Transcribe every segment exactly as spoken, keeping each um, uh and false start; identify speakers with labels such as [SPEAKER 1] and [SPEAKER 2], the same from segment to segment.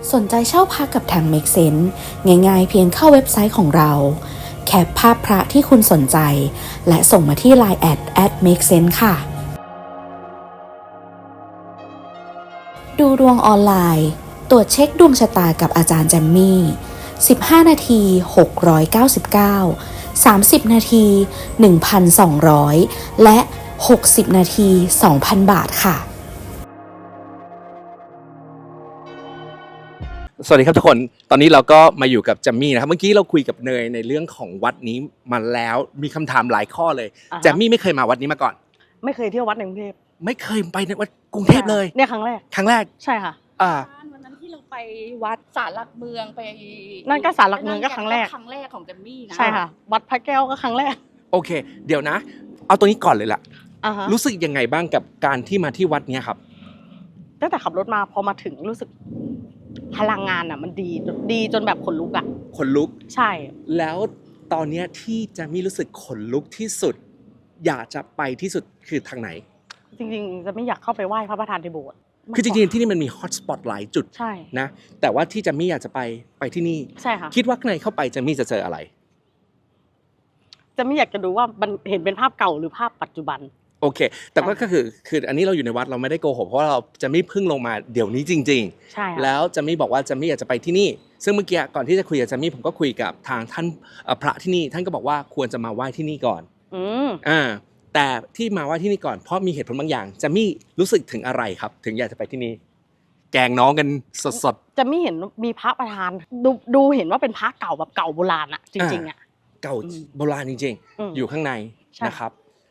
[SPEAKER 1] สนใจเช่าพักกับทาง Make Sense ง่ายๆเพียงเข้าเว็บไซต์ของเราแคปภาพพระที่คุณสนใจและส่งมาที่ ไลน์ แอท แอท เมคเซนส์ ค่ะดูดวงออนไลน์ตรวจเช็คดวงชะตากับอาจารย์แจมมี่สิบห้านาทีหกร้อยเก้าสิบเก้า สามสิบนาที หนึ่งพันสองร้อย และหกสิบนาที สองพัน บาทค่ะ
[SPEAKER 2] สวัสดีครับทุกคนตอนนี้เราก็มาอยู่กับแจมมี่นะครับเมื่อกี้เราคุยกับเนยในเรื่องของวัดนี้มาแล้วมีคำถามหลายข้อเลยแจมมี่ไม่เคยมาวัดนี้มาก่อน
[SPEAKER 3] ไม่เคยเที่ยววัดในกรุงเทพ
[SPEAKER 2] ไม่เคยไปในวัดกรุงเทพเลย
[SPEAKER 3] เนี่ยครั้งแรก
[SPEAKER 2] ครั้งแรก
[SPEAKER 3] ใช่ค่ะ
[SPEAKER 2] อ่า
[SPEAKER 4] วันนั้นที่เราไปวัดศาลหลักเมืองไป
[SPEAKER 3] นั่นก็ศาลหลักเมืองก็ครั้งแรก
[SPEAKER 4] ครั้งแรกของแจมมี่นะ
[SPEAKER 3] ใช่ค่ะวัดพระแก้วก็ครั้งแรก
[SPEAKER 2] โอเคเดี๋ยวนะเอาตัวนี้ก่อนเลยล่ะ
[SPEAKER 3] อ่าฮะ
[SPEAKER 2] รู้สึกยังไงบ้างกับการที่มาที่วัดเนี้ยครับ
[SPEAKER 3] ตั้งแต่ขับรถมาพอมาถึงรู้สึกพลังงานอ่ะมันดีดีจนแบบขนลุกอ่ะ
[SPEAKER 2] ขนลุก
[SPEAKER 3] ใช่
[SPEAKER 2] แล้วตอนเนี้ยที่แจมมี่รู้สึกขนลุกที่สุดอยากจะไปที่สุดคือทางไหน
[SPEAKER 3] จริงๆจะไม่อยากเข้าไปไหว้พระประธานในโบสถ์
[SPEAKER 2] คือจริงๆที่นี่มันมีฮอตสปอตหลายจุด
[SPEAKER 3] ใช่
[SPEAKER 2] นะแต่ว่าที่แจมมี่อยากจะไปไปที่นี่
[SPEAKER 3] ใช่ค่ะ
[SPEAKER 2] คิดว่าข้างในเข้าไปแจมมี่จะเจออะไร
[SPEAKER 3] จะไม่อยากจะดูว่ามันเห็นเป็นภาพเก่าหรือภาพปัจจุบัน
[SPEAKER 2] โอเคแต่ก็คือคืออันนี้เราอยู่ในวัดเราไม่ได้โกหกเพราะว่าเราจะไม่พึ่งลงมาเดี๋ยวนี้จริง
[SPEAKER 3] ๆใช่
[SPEAKER 2] แล้วจะไม่บอกว่าจะไม่อยากจะไปที่นี่ซึ่งเมื่อกี้ก่อนที่จะคุยกับจะมี่ผมก็คุยกับทางท่านพระที่นี่ท่านก็บอกว่าควรจะมาไหว้ที่นี่ก่อน
[SPEAKER 3] อืม
[SPEAKER 2] อ่าแต่ที่มาไหว้ที่นี่ก่อนเพราะมีเหตุผลบางอย่างจะมี่รู้สึกถึงอะไรครับถึงอยากจะไปที่นี่แกงน้องกันสด
[SPEAKER 3] ๆจะไม่เห็นมีพระประธานดูดูเห็นว่าเป็นพระเก่าแบบเก่าโบราณอะจริงๆอะ
[SPEAKER 2] เก่าโบราณจริงๆอยู่ข้างในนะครับ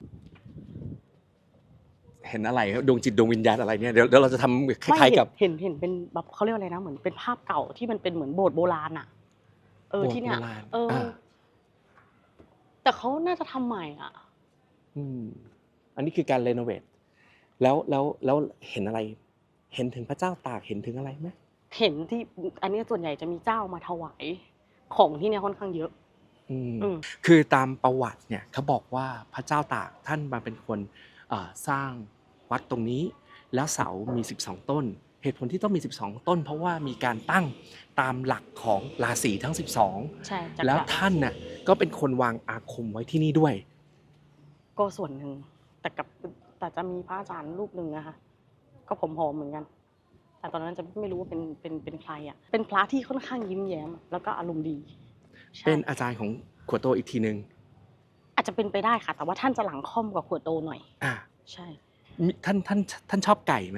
[SPEAKER 2] เห็นอะไรดวงจิตดวงวิญญาณอะไรเนี่ยเดี๋ยวเราจะทำคล้ายๆกับ
[SPEAKER 3] เห็นเห็นเป็นแบบเขาเรียกอะไรนะเหมือนเป็นภาพเก่าที่มันเป็นเหมือนโบสถ์โบราณอ่ะเออที่เนี้ยเออแต่เขาน่าจะทำใหม่อ่ะ
[SPEAKER 2] อืมอันนี้คือการรีโนเวทแล้วแล้วแล้วเห็นอะไรเห็นถึงพระเจ้าตากเห็นถึงอะไรไหม
[SPEAKER 3] เห็นที่อันนี้ส่วนใหญ่จะมีเจ้ามาถวายของที่เนี้ยค่อนข้างเยอะ
[SPEAKER 2] อืมคือตามประวัติเนี่ยเขาบอกว่าพระเจ้าตากท่านมาเป็นคนสร้างวัดตรงนี้แล้วเสามีสิบสองต้นเหตุผลที่ต้องมีสิบสองต้นเพราะว่ามีการตั้งตามหลักของราศีทั้งสิบสอง
[SPEAKER 3] ใช่
[SPEAKER 2] แล้วท่านน่ะก็เป็นคนวางอาคมไว้ที่นี่ด้วย
[SPEAKER 3] ก็ส่วนหนึ่งแต่กับแต่จะมีพระอาจารย์รูปหนึ่งนะคะก็ผอมๆเหมือนกันแต่ตอนนั้นจะไม่รู้ว่าเป็นเป็นเป็นใครอ่ะเป็นพระที่ค่อนข้างยิ้มแย้มแล้วก็อารมณ์ดี
[SPEAKER 2] เป็นอาจารย์ของขวดโตอีกทีนึง
[SPEAKER 3] อาจจะเป็นไปได้ค่ะแต่ว่าท่านจะหลังค่อมกว่าขวดโตหน่อย
[SPEAKER 2] อ่า
[SPEAKER 3] ใช่
[SPEAKER 2] ท่านท่านท่านชอบไก่ไหม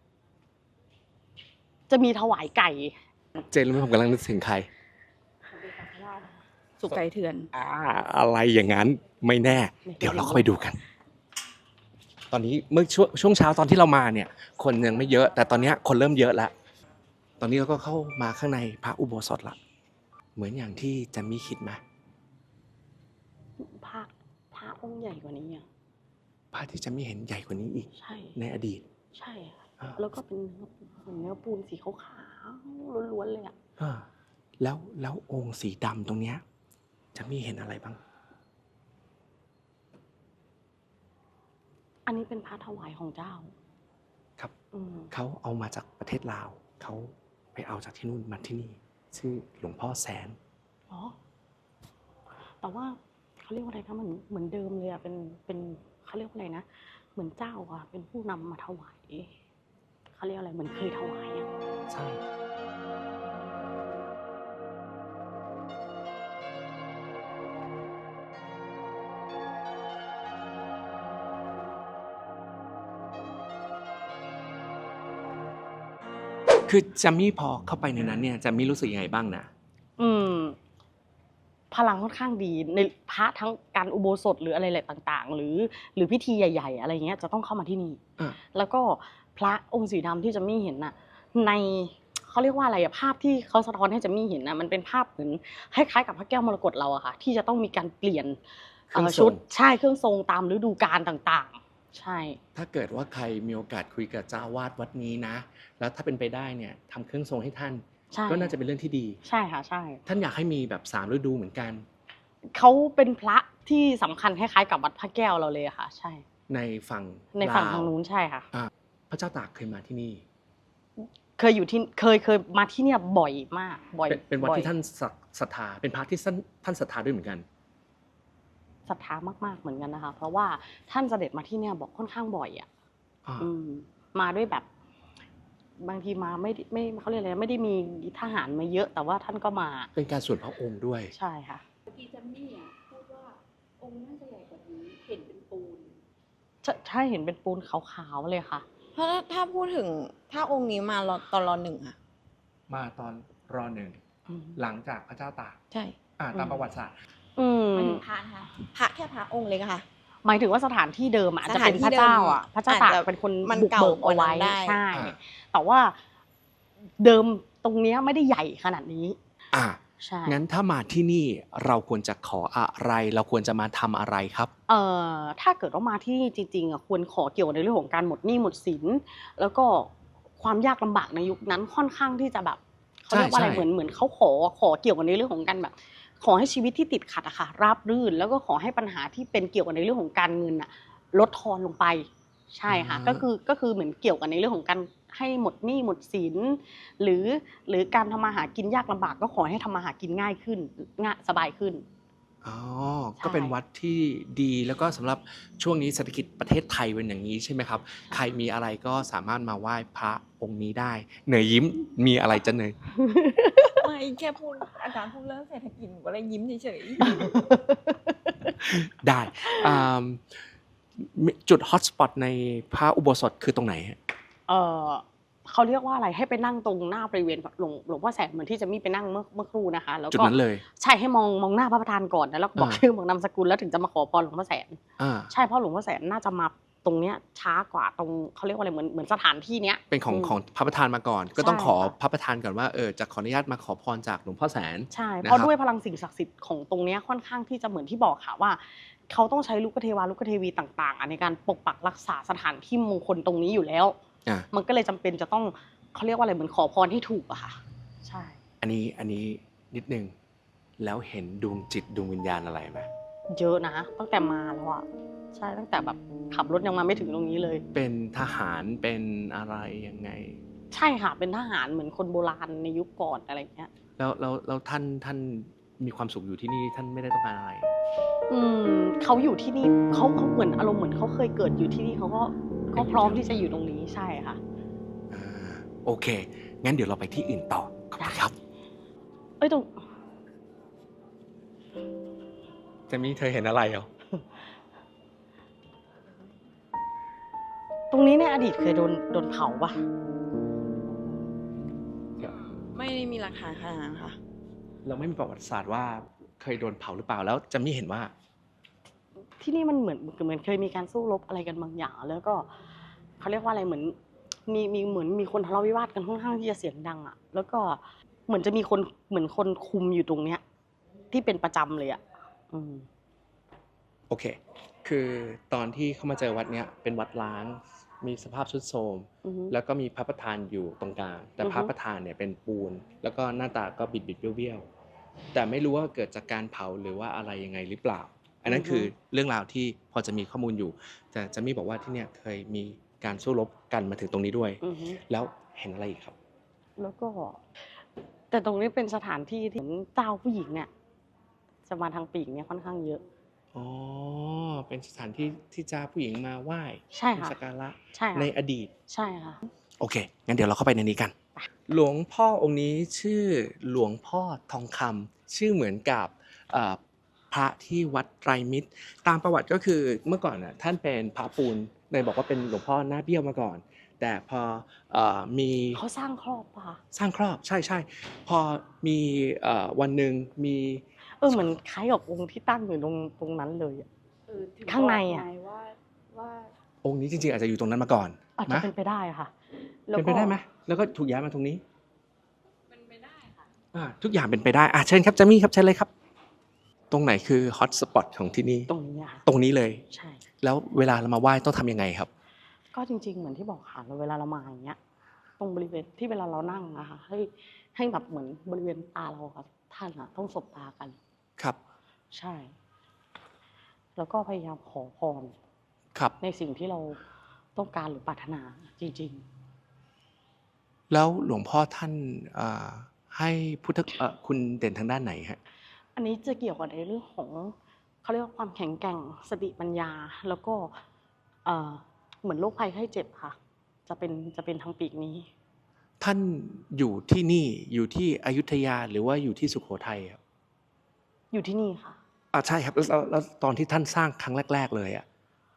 [SPEAKER 3] จะมีถวายไก่
[SPEAKER 2] เจนรู้ไหมผมกำลังนึกถึงใคร
[SPEAKER 4] สุกไก่เถื่อน
[SPEAKER 2] อ่าอะไรอย่างนั้นไม่แน่เดี๋ยวเราเข้าไปดูกันตอนนี้เมื่อช่วงช่วงเช้าตอนที่เรามาเนี่ยคนยังไม่เยอะแต่ตอนนี้คนเริ่มเยอะแล้วตอนนี้เราก็เข้ามาข้างในพระอุโบสถละเหมือนอย่างที่แจมมี่คิดไหม
[SPEAKER 3] พระพระองค์ใหญ่กว่านี้อ่ะ
[SPEAKER 2] พระที่แจมมี่เห็นใหญ่กว่านี้อีก
[SPEAKER 3] ใช่
[SPEAKER 2] ในอดีต
[SPEAKER 3] ใช่แล้วก็เป็นเหมือนเนื้อปูนสีขาวๆล้วนๆเลยอ่ะ
[SPEAKER 2] แล้วแล้วองค์สีดำตรงเนี้ยแจมมี่เห็นอะไรบ้าง
[SPEAKER 3] อันนี้เป็นพระถวายของเจ้า
[SPEAKER 2] ครับเขาเอามาจากประเทศลาวเขาไปเอาจากที่นู่นมาที่นี่ชื่อหลวงพ่อแสน
[SPEAKER 3] อ๋อแต่ว่าเขาเรียกว่าอะไรนะเหมือนเหมือนเดิมเลยอ่ะเป็นเป็นเขาเรียกว่าอะไรนะเหมือนเจ้าอ่ะเป็นผู้นำมาถวายเขาเรียกอะไรเหมือนเคยถวายอ่ะ
[SPEAKER 2] ใช่คือแจมมี่พอเข้าไปในนั้นเนี่ยแจมมี่รู้สึกยังไงบ้างนะ
[SPEAKER 3] อืมพลังค่อนข้างดีในพระทั้งการอุโบสถหรืออะไรหลายต่างๆหรือหรือพิธีใหญ่ๆอะไรเงี้ยจะต้องเข้ามาที่นี่แล้วก็พระองค์สีดำที่แจมมี่เห็นน่ะในเขาเรียกว่าอะไรอะภาพที่เขาสะท้อนให้แจมมี่เห็นน่ะมันเป็นภาพเหมือนคล้ายๆกับพระแก้วมรกตเราอะค่ะที่จะต้องมีการเปลี่ยนชุดใช่เครื่องทรงตามฤดูกาลต่างๆใช่
[SPEAKER 2] ถ้าเกิดว่าใครมีโอกาสคุยกับเจ้าวาดวัดนี้นะแล้วถ้าเป็นไปได้เนี่ยทำเครื่องทรงให้ท่านก็น่าจะเป็นเรื่องที่ดี
[SPEAKER 3] ใช่ค่ะใช่
[SPEAKER 2] ท่านอยากให้มีแบบสามฤดูเหมือนกัน
[SPEAKER 3] เขาเป็นพระที่สำคัญคล้ายๆกับวัดพระแก้วเราเลยค่ะใช่
[SPEAKER 2] ในฝั่ง
[SPEAKER 3] ในฝั่งทางนู้นใช่ค่ะ
[SPEAKER 2] พระเจ้าตากเคยมาที่นี่
[SPEAKER 3] เคยอยู่ที่เคยเคยมาที่เนี่ยบ่อยมากบ่อย
[SPEAKER 2] เป็นเป็นวัด
[SPEAKER 3] บ่อย
[SPEAKER 2] ที่ท่านศรัทธาเป็นพระที่ท่านท่านศรัทธาด้วยเหมือนกัน
[SPEAKER 3] ศรัทธามากๆเหมือนกันนะคะ เพราะว่าท่านเสด็จมาที่เนี่ยบอกค่อนข้างบ่อยอ่ะ
[SPEAKER 2] อ่า
[SPEAKER 3] อืมมาด้วยแบบ บางทีมาไม่ได้ไม่เขาเรียกอะไรไม่ได้มีทหารมาเยอะ แต่ว่าท่านก็มา
[SPEAKER 2] เป็นการส่วนพระองค์ด้วย
[SPEAKER 3] ใช่ค่ะ
[SPEAKER 4] เมื่อกี้จัมมี่อ่ะพูดว่าองค์น่าจะใหญ่กว่านี้เห็นเป็นปูน
[SPEAKER 3] ใช่ใช่เห็นเป็นปูนขาวๆเลยค่ะ
[SPEAKER 5] เพราะถ้าถ้าพูดถึงถ้าองค์นี้มารอตอนรอหนึ่งอะ
[SPEAKER 2] มาตอนรอหนึ่ง
[SPEAKER 3] อืม
[SPEAKER 2] หลังจากพระเจ้าตาก
[SPEAKER 5] ใช่
[SPEAKER 2] อ่าตามประวัติศาสตร์
[SPEAKER 3] อืม
[SPEAKER 5] หมายถึงพระนะคะพระแค่พระองค์เล็กอะค่ะ
[SPEAKER 3] หมายถึงว่าสถานที่เดิมอะอาจจะ
[SPEAKER 5] สถาน
[SPEAKER 3] เป็น
[SPEAKER 5] ที่
[SPEAKER 3] พระเจ้าอ่ะ
[SPEAKER 5] เดิม
[SPEAKER 3] พระเจ้าตาก
[SPEAKER 5] อาจจะ
[SPEAKER 3] เป็นคน
[SPEAKER 5] มัน
[SPEAKER 3] บุก
[SPEAKER 5] เก่า
[SPEAKER 3] เบิกเอาไว้
[SPEAKER 5] กว่านั้นได้
[SPEAKER 3] ใช่
[SPEAKER 2] อ่า
[SPEAKER 3] แต่ว่าเดิมตรงเนี้ยไม่ได้ใหญ่ขนาดนี้
[SPEAKER 2] อ่า
[SPEAKER 3] ใช่
[SPEAKER 2] งั้นถ้ามาที่นี่เราควรจะขออะไร เราควรจะมาทำอะไรครับ
[SPEAKER 3] เอ่อถ้าเกิดว่ามาที่นี่จริงๆอ่ะควรขอเกี่ยวในเรื่องของการหมดหนี้หมดสินแล้วก็ความยากลำบากในยุคนั้นค่อนข้างที่จะแบบเขาเรียกว่าอะไร
[SPEAKER 2] ใช่
[SPEAKER 3] เหมือนเหมือนเขาขอขอเกี่ยวกับในเรื่องของการแบบ ขอให้ชีวิตที่ติดขัดอะค่ะราบรื่น แล้วก็ขอให้ปัญหาที่เป็นเกี่ยวกับในเรื่องของการเงินอะลดทอนลงไป ใช่ค่ะ
[SPEAKER 2] อ่า
[SPEAKER 3] ก็คือก็คือเหมือนเกี่ยวกับในเรื่องของการให้หมดหนี้หมดสินหรือหรือการทำมาหากินยากลำบากก็ขอให้ทำมาหากินง่ายขึ้นง่ายสบายขึ้น
[SPEAKER 2] อ๋อ
[SPEAKER 3] ใช่
[SPEAKER 2] ก็เป็นวัดที่ดีแล้วก็สำหรับช่วงนี้เศรษฐกิจประเทศไทยเป็นอย่างนี้ใช่ไหมครับ ใครมีอะไรก็สามารถมาไหว้พระองค์นี้ได้ เหนื่อยยิ้มมีอะไรจะเหนื่อย
[SPEAKER 5] ไม่แค่พูดอาจารย์พูดเรื่องเศรษฐกิจหนูก็เลยยิ้มเฉย
[SPEAKER 2] ได้อ่าจุดฮอตสปอตในพระอุโบสถคือตรงไหนฮะ
[SPEAKER 3] เออเขาเรียกว่าอะไรให้ไปนั่งตรงหน้าบริเวณหลวงหลวงพ่อแสนเหมือนที่จะมีไปนั่งเมื่อเมื่อครู่นะคะ แล้ว
[SPEAKER 2] จุด
[SPEAKER 3] ก็
[SPEAKER 2] นั้นเลย
[SPEAKER 3] ใช่ให้มองมองหน้าพระประธานก่อนนะแล้วก็บอก
[SPEAKER 2] อ่า
[SPEAKER 3] ชื่อบอกนามสกุลแล้วถึงจะมาขอพรหลวงพ่อแสน
[SPEAKER 2] อ่า
[SPEAKER 3] ใช่เพราะหลวงพ่อแสนน่าจะมาตรงเนี้ยช้ากว่าตรงเขาเรียกว่าอะไรเหมือนเหมือนสถานที่เนี้ย
[SPEAKER 2] เป็นของ
[SPEAKER 3] ม
[SPEAKER 2] ของพระประธานมาก่อน ก็ต้อง
[SPEAKER 3] ใช่
[SPEAKER 2] ขอ
[SPEAKER 3] ค่ะ
[SPEAKER 2] พระประธานก่อนว่าเออจะขออนุญาตมาขอพรจากหลวงพ่อแสน
[SPEAKER 3] ใช่
[SPEAKER 2] นะ
[SPEAKER 3] เพราะ
[SPEAKER 2] ครับ
[SPEAKER 3] ด้วยพลังสิ่งศักดิ์สิทธิ์ของตรงเนี้ยค่อนข้างที่จะเหมือนที่บอกค่ะว่าเขาต้องใช้ลูกเทวาลูกเทวีต่างๆอ่ะในการปกปักรักษาสถานที่มงคลตรงนี้อยู่แล้ว
[SPEAKER 2] อ่า
[SPEAKER 3] มันก็เลยจำเป็นจะต้องเขาเรียกว่าอะไรเหมือนขอพรให้ถูกอะค่ะ ใช่
[SPEAKER 2] อันนี้อันนี้นิดนึงแล้วเห็นดวงจิตดวงวิญญาณอะไรไหม
[SPEAKER 3] เยอะนะตั้งแต่มาแล้วอะใช่ตั้งแต่แบบขับรถยังมาไม่ถึงตรงนี้เลย
[SPEAKER 2] เป็นทหารเป็นอะไรยังไง
[SPEAKER 3] ใช่ค่ะเป็นทหารเหมือนคนโบราณในยุคก่อนอะไรเงี้ย
[SPEAKER 2] แล้วแล้วแล้วท่านท่านมีความสุขอยู่ที่นี่ท่านไม่ได้ต้องการอะไร
[SPEAKER 3] อืมเขาอยู่ที่นี่เขาเขาเหมือนอารมณ์เหมือนเขาเคยเกิดอยู่ที่นี่เขาก็ก็พร้อมที่จะอยู่ตรงนี้ใช่ค่ะ
[SPEAKER 2] อ่าโอเค งั้นเดี๋ยวเราไปที่อื่นต่อขอบคุณครับ
[SPEAKER 3] เอ้ยตรง
[SPEAKER 2] เจมี่เธอเห็นอะไรเหรอ
[SPEAKER 3] ตรงนี้ในอดีตเคยโดนโดนเผาปะ
[SPEAKER 5] ๆ ไม่ได้มีหลักฐานขนาดนั้นค่ะ
[SPEAKER 2] เราไม่มีประวัติศาสตร์ว่าเคยโดนเผาหรือเปล่าแล้วเจะไม่เห็นว่า
[SPEAKER 3] ที่นี่มันเหมือนเหมือนเคยมีการสู้รบอะไรกันบางอย่าง แล้วก็เขาเรียกว่าอะไรเหมือน มีมีเหมือนมีคนทะเลาะวิวาทกันค่อนข้างที่จะเสียงดังอะแล้วก็เหมือนจะมีคนเหมือนคนคุมอยู่ตรงเนี้ย ที่เป็นประจำเลยอะอืม
[SPEAKER 2] โอเค คือตอนที่เขามาเจอวัดเนี้ยเป็นวัดล้าง มีสภาพทรุดโทรม
[SPEAKER 3] อือฮึ
[SPEAKER 2] แล้วก็มีพระประธานอยู่ตรงกลาง แต่
[SPEAKER 3] อือฮึ
[SPEAKER 2] พระประธานเนี่ยเป็นปูน แล้วก็หน้าตาก็บิดบิดๆเบี้ยวๆ แต่ไม่รู้ว่าเกิดจากการเผาหรือว่าอะไรยังไงหรือเปล่า อันนั้นคือเรื่องราวที่พอจะมีข้อมูลอยู่ แต่จะมีบอกว่าที่เนี่ยเคยมีการสู้รบกันมาถึงตรงนี้ด้วย
[SPEAKER 3] อือฮึ
[SPEAKER 2] แล้วเห็นอะไรอีกครับ
[SPEAKER 3] แล้วก็ แต่ตรงนี้เป็นสถานที่ที่เหมือนเจ้าผู้หญิงเนี่ยจะมาทางปีกเนี่ยค่อนข้างเยอะ
[SPEAKER 2] อ๋อ เป็นสถานที่ที่เจ้าผู้หญิงมาไหว้
[SPEAKER 3] ใช่ค่ะ
[SPEAKER 2] สักการะ
[SPEAKER 3] ใช่ค่ะ
[SPEAKER 2] ในอดีต
[SPEAKER 3] ใช่ค่ะ
[SPEAKER 2] โอเค งั้นเดี๋ยวเราเข้าไปในนี้กัน หลวงพ่อองค์นี้ชื่อหลวงพ่อทองคำชื่อเหมือนกับเอ่อพระที่วัดไตรมิตร ตามประวัติก็คือเมื่อก่อนน่ะท่านเป็นพระปูนเลยบอกว่าเป็นหลวงพ่อหน้าเบี้ยวมาก่อน แต่พอเอ่อมี
[SPEAKER 3] เขาสร้างครอบปะคะ
[SPEAKER 2] สร้างครอบใช่ใช่พอมีเอ่อวันหนึ่งมี
[SPEAKER 3] เออเหมือนคล้ายกับองค์ที่ตั้งอยู่ตรงตรงนั้นเลยอะ
[SPEAKER 4] เออถึ
[SPEAKER 3] ข้างใน
[SPEAKER 4] บก
[SPEAKER 3] อะ
[SPEAKER 4] ไว่าว่า
[SPEAKER 2] องค์นี้จริงๆอาจจะอยู่ตรงนั้นมาก่อน
[SPEAKER 3] อาจจะ
[SPEAKER 2] นะ
[SPEAKER 3] เป็นไปได้ค่ะแล้ว
[SPEAKER 2] เป็นไปได้ไหมแล้วก็ถูกย้ายมาตรงนี้
[SPEAKER 4] เป็นไปได้ค่ะ
[SPEAKER 2] อ่าทุกอย่างเป็นไปได้อ่ะเชิญครับเจมี่ครับเชิญเลยครับ ตรงไหนคือฮอตสปอตของที่นี่
[SPEAKER 3] ตรงนี้อะค่ะ
[SPEAKER 2] ตรงนี้เลย
[SPEAKER 3] ใช่
[SPEAKER 2] แล้วเวลาเรามาไหว้ต้องทำยังไงครับ
[SPEAKER 3] ก็จริง ๆ เหมือนที่บอกค่ะเวลาเรามาอย่างเงี้ย ตรงบริเวณที่เวลาเรานั่งนะคะให้ให้แบบเหมือนบริเวณตาเราค่ะท่านอะต้องสบตากัน
[SPEAKER 2] ครับ
[SPEAKER 3] ใช่ แล้วก็พยายามขอพร
[SPEAKER 2] ครับ
[SPEAKER 3] ในสิ่งที่เราต้องการหรือปรารถนาจริง
[SPEAKER 2] แล้วหลวงพ่อท่านอ่าให้พุทธเอ่อคุณเด่นทางด้านไหนฮะ
[SPEAKER 3] อันนี้จะเกี่ยวกับในเรื่องของเขาเรียกว่าความแข็งแกร่งสติปัญญา แล้วก็เอ่อเหมือนโรคภัยไข้เจ็บค่ะ จะเป็นจะเป็นทางปีกนี้
[SPEAKER 2] ท่านอยู่ที่นี่อยู่ที่อยุธยาหรือว่าอยู่ที่สุโขทัยครับ
[SPEAKER 3] อยู่ที่นี่ค่ะ
[SPEAKER 2] อ่าใช่ครับแล้วแล้วแล้วตอนที่ท่านสร้างครั้งแรก ๆ เลยอ่ะ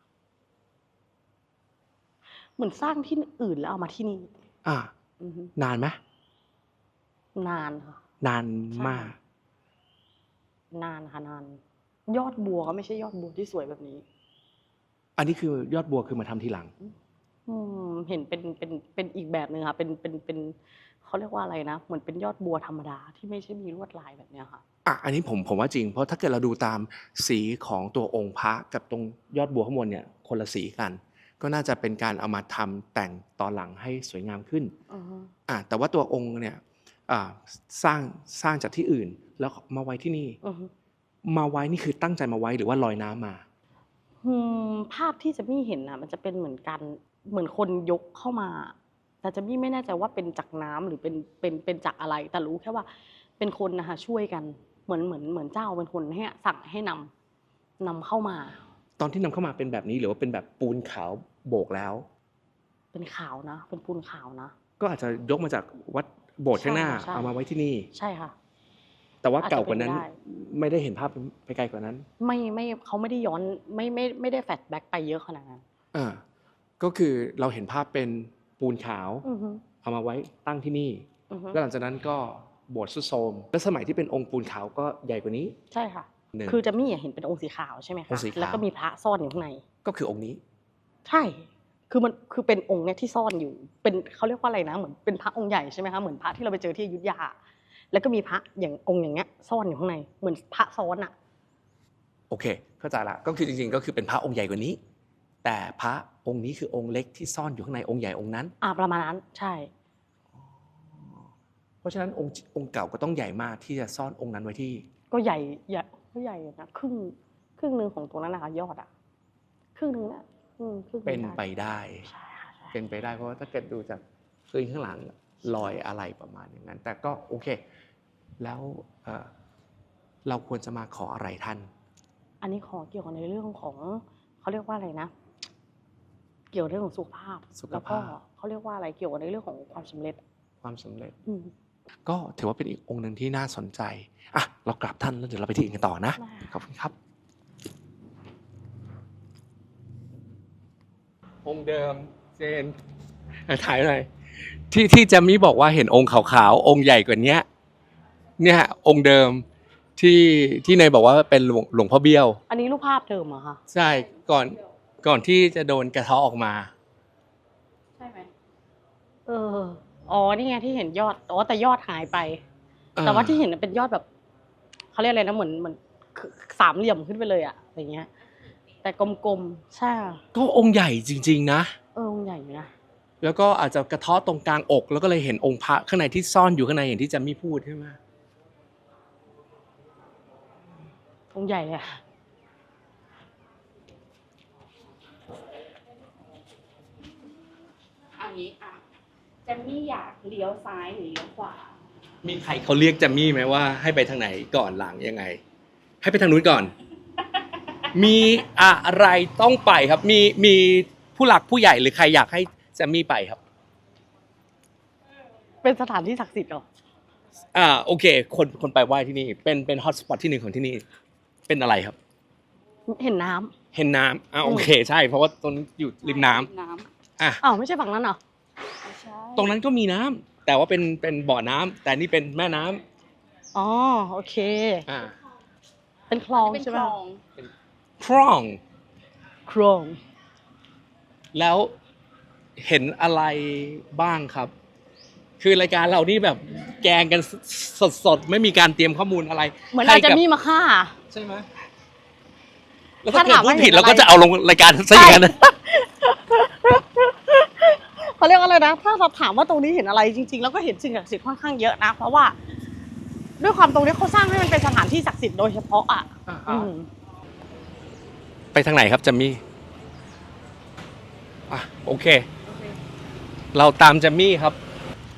[SPEAKER 3] เหมือนสร้างที่อื่นแล้วเอามาที่นี่
[SPEAKER 2] อ่า
[SPEAKER 3] อือฮึ
[SPEAKER 2] นานไหม
[SPEAKER 3] นานค่ะ
[SPEAKER 2] นาน
[SPEAKER 3] ใช่
[SPEAKER 2] มาก
[SPEAKER 3] นานค่ะนาน ยอดบัวก็ไม่ใช่ยอดบัวที่สวยแบบนี้
[SPEAKER 2] อันนี้คือยอดบัวคือมาทำทีหลัง
[SPEAKER 3] อืมเห็นเป็นเป็นเป็นอีกแบบหนึ่งค่ะเป็นเป็นเป็นเขาเรียกว่าอะไรนะ เหมือนเป็นยอดบัวธรรมดาที่ไม่ใช่มีลวดลายแบบเนี้ยค่ะ
[SPEAKER 2] อ่ะอันนี้ผมผมว่าจริงเพราะถ้าเกิดเราดูตามสีของตัวองค์พระกับตรงยอดบัวข้างบนเนี่ยคนละสีกัน ก็น่าจะเป็นการเอามาทำแต่งตอนหลังให้สวยงามขึ้น
[SPEAKER 3] อือฮึ
[SPEAKER 2] อ่ะแต่ว่าตัวองค์เนี่ยอ่าสร้างสร้างจากที่อื่น แล้วมาไว้ที่นี่
[SPEAKER 3] อือฮึ
[SPEAKER 2] มาไว้นี่คือตั้งใจมาไว้หรือว่าลอยน้ำมา
[SPEAKER 3] อืมภาพที่จะมี่เห็นนะมันจะเป็นเหมือนกันเหมือนคนยกเข้ามา แต่จะมี่ไม่แน่ใจว่าเป็นจากน้ำหรือเป็นเป็นเป็นจากอะไร แต่รู้แค่ว่าเป็นคนนะคะช่วยกันเหมือนเหมือนเหมือนเจ้าเป็นคนให้สั่งให้นำนำเข้ามา
[SPEAKER 2] ตอนที่นำเข้ามาเป็นแบบนี้หรือว่าเป็นแบบปูนขาวโบกแล้ว
[SPEAKER 3] เป็นขาวนะ เป็นปูนขาวนะ
[SPEAKER 2] ก็อาจจะยกมาจากวัดโบสถ์ข้างหน้า
[SPEAKER 3] ใช่ค่ะใช่
[SPEAKER 2] เอามาไว้ที่นี่
[SPEAKER 3] ใช่ค่ะ
[SPEAKER 2] แต่ว่า
[SPEAKER 3] อาจจะ
[SPEAKER 2] เก่ากว่านั้น
[SPEAKER 3] เป็นได้
[SPEAKER 2] ไม่ได้เห็นภาพไปไกลกว่านั้น
[SPEAKER 3] ไม่ไม่เขาไม่ได้ย้อนไม่ไม่ไม่ได้แฟลชแบ็กไปเยอะขนาดนั้น
[SPEAKER 2] อ่าก็คือเราเห็นภาพเป็นปูนขาว
[SPEAKER 3] อือฮึ
[SPEAKER 2] เอามาไว้ตั้งที่นี่
[SPEAKER 3] อือฮึ
[SPEAKER 2] แล้วหลังจากนั้นก็โบสถ์สุดโทรมและสมัยที่เป็นองค์ปูนขาวก็ใหญ่กว่านี้
[SPEAKER 3] ใช่ค่ะ
[SPEAKER 2] หนึ่ง
[SPEAKER 3] คือจะมี่เห็นเป็นองค์สีขาวใช่ไหม
[SPEAKER 2] อ
[SPEAKER 3] คะ
[SPEAKER 2] งค์สีขาว
[SPEAKER 3] แล้วก็มีพระซ่อนอยู่ข้างใน
[SPEAKER 2] ก็คือองค์นี้
[SPEAKER 3] ใช่ คือมันคือเป็นองค์เนี่ยที่ซ่อนอยู่ เป็นเขาเรียกว่าอะไรนะ เหมือนเป็นพระองค์ใหญ่ใช่ไหมคะ เหมือนพระที่เราไปเจอที่อยุธยา แล้วก็มีพระอย่างองค์อย่างเงี้ยซ่อนอยู่ข้างใน เหมือนพระซ้อนอะ
[SPEAKER 2] โอเค เข้าใจละก็คือจริงๆ ก็คือเป็นพระองค์ใหญ่กว่านี้ แต่พระองค์นี้คือองค์เล็กที่ซ่อนอยู่ข้างในองค์ใหญ่องค์นั้น
[SPEAKER 3] อ่าประมาณนั้น ใช่
[SPEAKER 2] เพราะฉะนั้นองค์องค์เก่าก็ต้องใหญ่มากที่จะซ่อนองค์นั้นไว้ที่
[SPEAKER 3] ก็ใหญ่ใหญ่ก็ใหญ่อยู่นะ ครึ่งครึ่งหนึ่งของตรงนั้นนะคะยอดอะครึ่งหนึ่งนะอืมครึ่งห
[SPEAKER 2] เป็น
[SPEAKER 3] ง
[SPEAKER 2] ไปได้
[SPEAKER 3] ใช่ค่ะใช่
[SPEAKER 2] เป็นไปได้เพราะว่าถ้าเกิดดูจากพื้นข้างหลังลอยอะไรประมาณอย่างนั้น แต่ก็โอเค แล้วเอ่อเราควรจะมาขออะไรท่าน
[SPEAKER 3] อันนี้ขอเกี่ยวกับในเรื่องของเขาเรียกว่าอะไรนะ เกี่ยวกับเรื่องของสุขภาพ
[SPEAKER 2] สุขภาพ
[SPEAKER 3] แล้วก็เขาเรียกว่าอะไรเกี่ยวกับในเรื่องของความสำเร็จ
[SPEAKER 2] ความสำเร็จ
[SPEAKER 3] อืม
[SPEAKER 2] ก็ถือว่าเป็นอีกองค์หนึ่งที่น่าสนใจอ่ะเรากราบท่านแล้วเดี๋ยวเราไปที่อื่นกันต่อนะ
[SPEAKER 3] ได้ค่ะ
[SPEAKER 2] ขอบคุณครับ องค์เดิมเจนถ่ายหน่อยที่ที่แจมมี่บอกว่าเห็นองค์ขาวๆองค์ใหญ่กว่านี้เนี่ยองค์เดิมที่ที่เนยบอกว่าเป็นหลวงหลวงพ่อเบี้ยว
[SPEAKER 3] อันนี้รูปภาพเดิมเหรอคะ
[SPEAKER 2] ใช่ก่อนก่อนที่จะโดนกระเทาะออกมา
[SPEAKER 3] ใช่ไหมเออ อ๋อ นี่ไงที่เห็นยอด อ๋อ แต่ยอดหายไป แต่ว่าที่เห็นเป็นยอดแบบเขาเรียกอะไรนะ เหมือนเหมือนสามเหลี่ยมขึ้นไปเลยอะอย่างเงี้ย แต่กลมๆ ใช่
[SPEAKER 2] ก็องค์ใหญ่จริงๆนะ
[SPEAKER 3] เออองค์ใหญ่อยู่นะ
[SPEAKER 2] แล้วก็อาจจะกระเทาะตรงกลางอก แล้วก็เลยเห็นองค์พระข้างในที่ซ่อนอยู่ข้างในอย่างที่แจมมี่พูดใช่ไหม
[SPEAKER 3] องค์ใหญ่เลยอะ
[SPEAKER 4] อันนี้อ่ะแจมมี่อยากเลี้ยวซ้ายหรือเลี้ยวขวา
[SPEAKER 2] มีใครเขาเรียกแจมมี่ไหมว่าให้ไปทางไหนก่อนหลังยังไง ให้ไปทางนู้นก่อน มีอะไรต้องไปครับ มีมีผู้หลักผู้ใหญ่หรือใครอยากให้แจมมี่ไปครับ
[SPEAKER 3] เป็นสถานที่ศักดิ์สิทธิ์เหรอ
[SPEAKER 2] อ่าโอเค คนคนไปไหว้ที่นี่ เป็นเป็นฮอตสปอตที่หนึ่งของที่นี่ เป็นอะไรครับ
[SPEAKER 3] เห็นน้ำ
[SPEAKER 2] เห็นน้ำอ่าโอเคใช่ เพราะว่าตรงนี้อยู่ริมน้ำ
[SPEAKER 4] น้
[SPEAKER 2] อ่ะ
[SPEAKER 3] อ้าวไม่ใช่ฝั่งนั้นเหรอ
[SPEAKER 4] ำไม่ใช่
[SPEAKER 2] ตรงนั้นก็มีน้ำแต่ว่าเป็นเป็นบ่อน้ำแต่นี่เป็นแม่น้ำ
[SPEAKER 3] อ๋อ โอเค
[SPEAKER 2] อ่า
[SPEAKER 3] เป็นคลอง
[SPEAKER 4] เป็น
[SPEAKER 3] ใช่ไห
[SPEAKER 4] ค
[SPEAKER 3] ม
[SPEAKER 4] ลอง
[SPEAKER 2] คร่อง
[SPEAKER 3] คลอง
[SPEAKER 2] แล้วเห็นอะไรบ้างครับ คือรายการเรานี่แบบแกงกันสดๆ ไม่มีการเตรียมข้อมูลอะไร
[SPEAKER 3] เหมือนอาจจะ
[SPEAKER 2] ให้กับ
[SPEAKER 3] มีมาฆ่า
[SPEAKER 2] ใช่ไหมแล้วถ้าเกิด
[SPEAKER 3] ถ้าถาม
[SPEAKER 2] พู
[SPEAKER 3] ว่า
[SPEAKER 2] ดผิด
[SPEAKER 3] เห็น
[SPEAKER 2] เราก็
[SPEAKER 3] อะไร
[SPEAKER 2] จะเอาลงรายการซะอย่างนั้นนะ
[SPEAKER 3] เขาเรียกว่าอะไรนะ ถ้าเราถามว่าตรงนี้เห็นอะไรจริงๆ แล้วก็เห็นสิ่งศักดิ์สิทธิ์ค่อนข้างเยอะนะ เพราะว่า ด้วยความตรงนี้เขาสร้างให้มันเป็นสถานที่ศักดิ์สิทธิ์โดยเฉพาะอ่ะอืม
[SPEAKER 2] ไปทางไหนครับจัมมี่อ่ะโอเค เราตามจัมมี่ครับ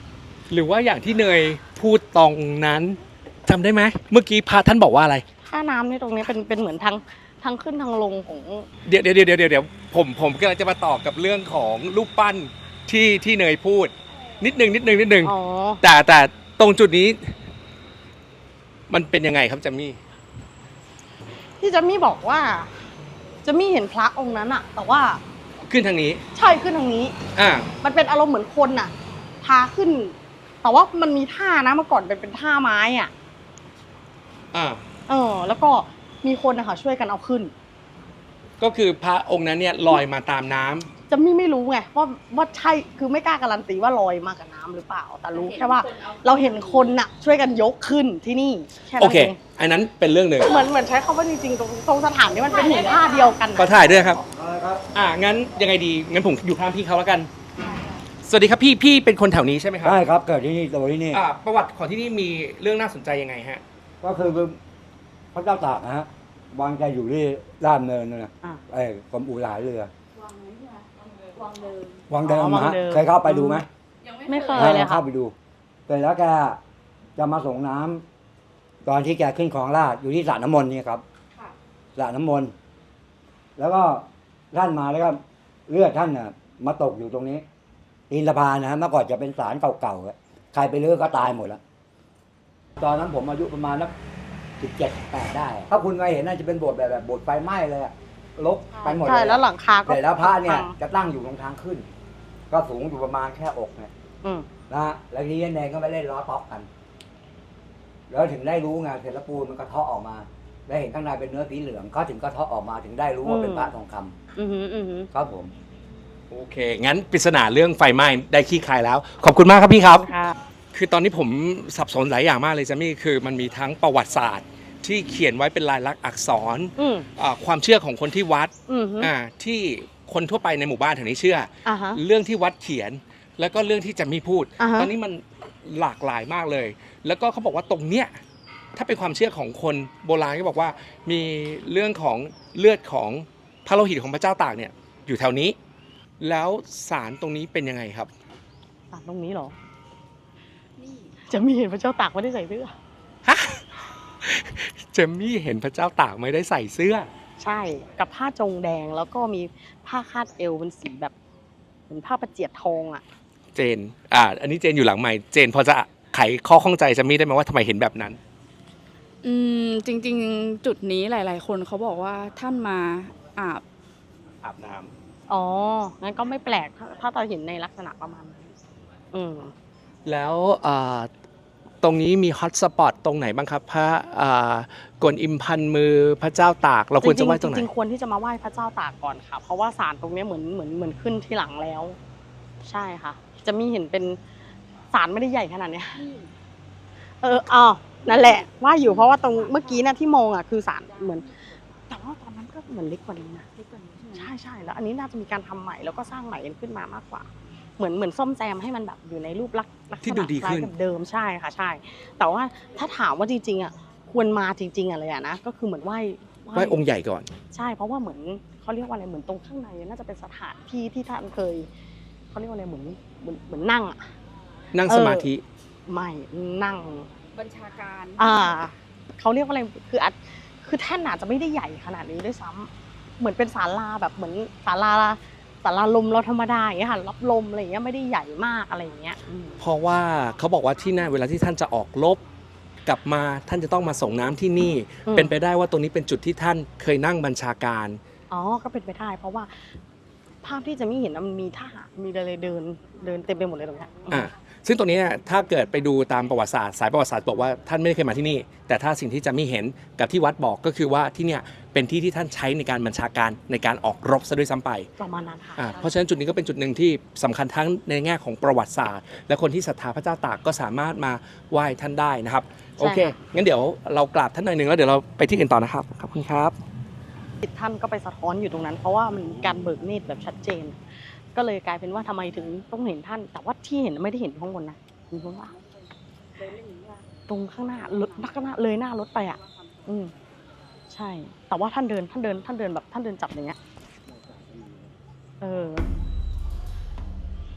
[SPEAKER 2] หรือว่าอย่างที่เนยพูดตรงนั้นจำได้ไหมเมื่อกี้พระท่านบอกว่าอะไร
[SPEAKER 3] ท่าน้ำในตรงนี้เป็นเป็นเหมือนทางทางขึ้นทางลงของ
[SPEAKER 2] เดี๋ยวเดี๋ยวเดี๋ยวเดี๋ยวเดี๋ยวผมผมกำลังจะมาต่อกับเรื่องของรูปปั้นที่ที่เนยพูด นิดนึงนิดนึงนิดนึง
[SPEAKER 3] อ๋อ
[SPEAKER 2] แต่แต่ตรงจุดนี้ มันเป็นยังไงครับจัมมี่
[SPEAKER 3] ที่จะมี่บอกว่าจะมี่เห็นพระองค์นั้นอะแต่ว่า
[SPEAKER 2] ขึ้นทางนี้
[SPEAKER 3] ใช่ขึ้นทางนี้
[SPEAKER 2] อ่า
[SPEAKER 3] มันเป็นอารมณ์เหมือนคนน่ะ พาขึ้น แต่ว่ามันมีท่านะเมื่อก่อนเป็นเป็นท่าไม้อ่ะ
[SPEAKER 2] อ่า
[SPEAKER 3] เออ แล้วก็มีคนนะคะช่วยกันเอาขึ้น
[SPEAKER 2] ก็คือพระองค์นั้นเนี่ยลอยมาตามน้ำ
[SPEAKER 3] จะมี่ไม่รู้ไงว่าว่าใช่คือไม่กล้าการันตีว่าลอยมากับน้ำหรือเปล่า แต่รู้แค่ว่า เราเห็นคนน่ะ ช่วยกันยกขึ้นที่นี่แค่
[SPEAKER 2] โอ
[SPEAKER 3] นั้น
[SPEAKER 2] เค
[SPEAKER 3] เอง
[SPEAKER 2] อันนั้นเป็นเรื่องหนึ่ง
[SPEAKER 3] เหมือนเหมือนใช้คำว่าจริงๆตรงตรงสถานนี้มันเป็นหินท่าเดียวกัน
[SPEAKER 2] ก็
[SPEAKER 3] น่ะ
[SPEAKER 2] ถ่ายด้วยครับ อ่างั้นยังไงดีงั้นผมอยู่ข้างพี่เขาแล้วกัน สวัสดีครับพี่พี่เป็นคนแถวนี้ใช่ไหมครั
[SPEAKER 6] ใช่ครับเกิดที่นี่โตที่นี่
[SPEAKER 2] อ่าประวัติของที่นี่มีเรื่องน่าสนใจยังไงฮะ
[SPEAKER 6] ก็คือพระเจ้าตากนะฮะวางใจอยู่ที่ด้านเนินนั่นนะ
[SPEAKER 3] อ่ะ
[SPEAKER 6] ไอ้กรมอู่หลายเรือ
[SPEAKER 4] วางนี้ค่ะวางเดิม
[SPEAKER 6] วางเดิม
[SPEAKER 3] อ๋อวาง
[SPEAKER 6] ฮะ
[SPEAKER 3] เดิม
[SPEAKER 6] เคยเข้าไปดูไหม
[SPEAKER 4] ยัง
[SPEAKER 3] ไม่
[SPEAKER 4] ไม่
[SPEAKER 3] เค
[SPEAKER 4] เค
[SPEAKER 3] ย
[SPEAKER 4] ย
[SPEAKER 3] เลยค่ะ
[SPEAKER 6] เข้าไปดูแต่แล้วแกจะมาส่งน้ำตอนที่แกขึ้นคลองลาดอยู่ที่สระน้ำมนต์นี่ครับ
[SPEAKER 4] ค่ะ
[SPEAKER 6] สระน้ำมนต์แล้วก็ท่านมาแล้วก็เลือดท่านน่ะมาตกอยู่ตรงนี้ตีนสะพานนะฮะเมื่อก่อนจะเป็นศาลเก่าๆอะใครไปเลือกก็ตายหมดแล้วตอนนั้นผมอายุประมาณนักสิบเจ็ดแปดได้ ถ้าคุณเคยเห็นน่าจะเป็นโบสถ์แบบแบบโบสถ์ไฟไหม้เลยอะลกไปหมดเลย
[SPEAKER 3] ใช่แล้วหลังคาก็
[SPEAKER 6] แต่แล้วพระเนี่ย
[SPEAKER 3] พัง
[SPEAKER 6] จะตั้งอยู่ตรงทางขึ้น ก็สูงอยู่ประมาณแค่อกเนี่ย
[SPEAKER 3] อืม
[SPEAKER 6] นะฮะแล้วทีนี้เนรก็ไปเล่นล้อต๊อกกัน แล้วถึงได้รู้ไงเสร็จแล้วปูนมันกระเทาะออกมาได้เห็นข้างในเป็นเนื้อสีเหลืองเขาถึงกระเทาะออกมาถึงได้รู้ว่าเป็นพระทองคำ
[SPEAKER 3] อือหืออือหือ
[SPEAKER 6] ครับผม
[SPEAKER 2] โอเค งั้นปริศนาเรื่องไฟไหม้ได้คลี่คลายแล้ว ขอบคุณมากครับพี่ครับ
[SPEAKER 3] ค่ะ
[SPEAKER 2] คือตอนนี้ผมสับสนหลายอย่างมากเลยจัมมี่คือมันมีทั้งประวัติศาสตร์ ที่เขียนไว้เป็นลายลักษณ์อักษร
[SPEAKER 3] อืม
[SPEAKER 2] อ่าความเชื่อของคนที่วัด
[SPEAKER 3] อือหือ
[SPEAKER 2] อ่าที่คนทั่วไปในหมู่บ้านแถวนี้เชื่อ
[SPEAKER 3] อ่าฮะ
[SPEAKER 2] เรื่องที่วัดเขียน แล้วก็เรื่องที่จัมมี่พูด
[SPEAKER 3] อ่าฮะ
[SPEAKER 2] ตอนนี้มันหลากหลายมากเลย แล้วก็เขาบอกว่าตรงเนี้ยถ้าเป็นความเชื่อของคนโบราณก็บอกว่ามีเรื่องของเลือดของพระโลหิตของพระเจ้าตากเนี่ยอยู่แถวนี้ แล้วสารตรงนี้เป็นยังไงครับ
[SPEAKER 3] อ่ะตรงนี้เหรอ
[SPEAKER 4] นี่
[SPEAKER 3] จะมีเห็นพระเจ้าตากไม่ได้ใส่เสื้อ
[SPEAKER 2] ฮะ เจมมี่เห็นพระเจ้าตากไม่ได้ใส่เสื้อ
[SPEAKER 3] ใช่กับผ้าจงแดงแล้วก็มีผ้าคาดเอวเป็นสีแบบเหมือนผ้าประเจียดทองอ่ะ
[SPEAKER 2] เจน อ่า อันนี้เจนอยู่หลังใหม่ เจนพอจะไขข้อข้องใจเจมมี่ได้ไหมว่าทำไมเห็นแบบนั้น
[SPEAKER 7] อืมจริงๆ จุดนี้หลาย ๆ คนเขาบอกว่าท่านมาอาบ
[SPEAKER 2] อาบน้ำ
[SPEAKER 3] อ๋อ งั้นก็ไม่แปลกถ้าถ้าเราเห็นในลักษณะประมาณนั้นอืม
[SPEAKER 2] แล้วอ่าตรงนี้มีฮอตสปอตตรงไหนบ้างครับ พระอ่ากวนอิมพันมือพระเจ้าตาก เราควรจะไหว้ตรงไหน
[SPEAKER 3] จริงๆควรที่จะมาไหว้พระเจ้าตากก่อนค่ะ เพราะว่าศาลตรงเนี้ยเหมือนเหมือนเหมือนขึ้นที่หลังแล้ว ใช่ค่ะ จะมีเห็นเป็นศาลไม่ได้ใหญ่ขนาดเนี้ย
[SPEAKER 4] นี่
[SPEAKER 3] เอออ๋อนั่นแหละว่าอยู่เพราะว่าตรงเมื่อกี้นะที่มองอ่ะคือศาลเหมือน แต่ว่าตอนนั้นก็เหมือนเล็กกว่านี้นะ
[SPEAKER 4] เล็กกว่านี้ใช่ไหม
[SPEAKER 3] ใช่ใช่แล้วอันนี้น่าจะมีการทำใหม่แล้วก็สร้างใหม่กันขึ้นมามากกว่า เหมือนเหมือนซ่อมแซมให้มันแบบอยู่ในรูปลักษณ์ลักษณะ
[SPEAKER 2] ที่ดูดีขึ้น
[SPEAKER 3] คล้ายกับเดิมใช่ค่ะใช่ แต่ว่าถ้าถามว่าจริงๆอ่ะควรมาจริงๆอ่ะเลยอ่ะนะก็คือเหมือนไหว้
[SPEAKER 2] ไหว้องค์ใหญ่ก่อน
[SPEAKER 3] ใช่เพราะว่าเหมือนเขาเรียกว่าอะไรเหมือนตรงข้างในน่าจะเป็นสถานที่ที่ท่านเคยเขาเรียกว่าอะไรเหมือนเหมือนเหมือนนั่งอ่ะ
[SPEAKER 2] นั่งสมาธิ
[SPEAKER 3] ไม่นั่ง
[SPEAKER 4] บัญชาการ
[SPEAKER 3] อ่าเขาเรียกว่าอะไรคืออาจคือแท่นอาจจะไม่ได้ใหญ่ขนาดนี้ด้วยซ้ำเหมือนเป็นศาลาแบบเหมือนศาลาศาลาลมเราธรรมดาอย่างเงี้ยค่ะรับลมอะไรอย่างเงี้ยไม่ได้ใหญ่มากอะไรอย่างเงี้ยอืม
[SPEAKER 2] เพราะว่าเขาบอกว่าที่นั่นเวลาที่ท่านจะออกรบกลับมาท่านจะต้องมาส่งน้ำที่นี่
[SPEAKER 3] อืม
[SPEAKER 2] เป็นไปได้ว่าตรงนี้เป็นจุดที่ท่านเคยนั่งบัญชาการ
[SPEAKER 3] อ๋อก็เป็นไปได้ เพราะว่าภาพที่จะไม่เห็นนะมันมีทหารมีอะไรเดินเดินเต็มไปหมดเลยตรงเนี้ย
[SPEAKER 2] อ่าซึ่งตรงนี้เนี่ยถ้าเกิดไปดูตามประวัติศาสตร์สายประวัติศาสตร์บอกว่าท่านไม่ได้เคยมาที่นี่ แต่ถ้าสิ่งที่จะไม่เห็นกับที่วัดบอกก็คือว่าที่เนี่ยเป็นที่ที่ท่านใช้ในการบัญชาการในการออกรบซะด้วยซ้ำไป
[SPEAKER 3] ประมาณนั้นค่ะ
[SPEAKER 2] อ่าเพราะฉะนั้นจุดนี้ก็เป็นจุดหนึ่งที่สำคัญทั้งในแง่ของประวัติศาสตร์ และคนที่ศรัทธาพระเจ้าตากก็สามารถมาไหว้ท่านได้นะครับโอเคงั้นเดี๋ยวเรากราบท่านหน่อยหนึ่งแล้วเดี๋ยวเราไปที่อื่นต่อนะครับขอบคุณครับ
[SPEAKER 3] จิตท่านก็ไปสะท้อนอยู่ตรงนั้น เพราะว่ามันมีการเบิกเนตรแบบชัดเจน ก็เลยกลายเป็นว่าทำไมถึงต้องเห็นท่าน แต่ว่าที่เห็นไม่ได้เห็นข้างบนนะมีข้างล่าง
[SPEAKER 4] เลยไม่เห็นว่า
[SPEAKER 3] ตรงข้างหน้ารถข้างหน้าเลยหน้ารถไปอ่ะ อืมใช่ แต่ว่าท่านเดินท่านเดินท่านเดินแบบท่านเดินจับอย่างเงี้ย เออ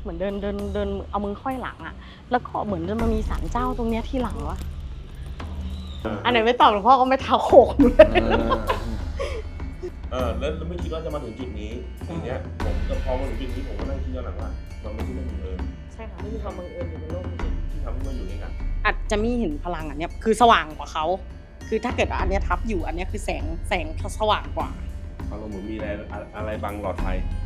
[SPEAKER 3] เหมือนเดินเดินเดินเอามือค่อยหลังอะแล้วก็เหมือนจะมามีศาลเจ้าตรงเนี้ยที่หลังวะอันไหนไม่ตอบหลวงพ่อก็ไม่เท้าโขกหนูเลย
[SPEAKER 8] เออแล้วแล้วไม่คิดว่าจะมาถึงจุดนี้ทีเนี้ยผมก็พอมาถึงจุดนี้ผมก็นั่งคิดย้อนหลังว่ามันไม่ใช่เรื่องบังเอิญ
[SPEAKER 3] ใช่ค่ะไม่มีความบังเอิญอยู่ในโลกจริง
[SPEAKER 8] ที่ทำให้มาอยู่ด้วยกัน
[SPEAKER 3] อาจจะมีเห็นพลังอันเนี้ยคือสว่างกว่าเขาคือถ้าเกิดว่าอันเนี้ยทับอยู่อันเนี้ยคือแสงแสงสว่างกว่า
[SPEAKER 8] เขาเราเหมือนมีอะไรอะไรบังหลอดไฟ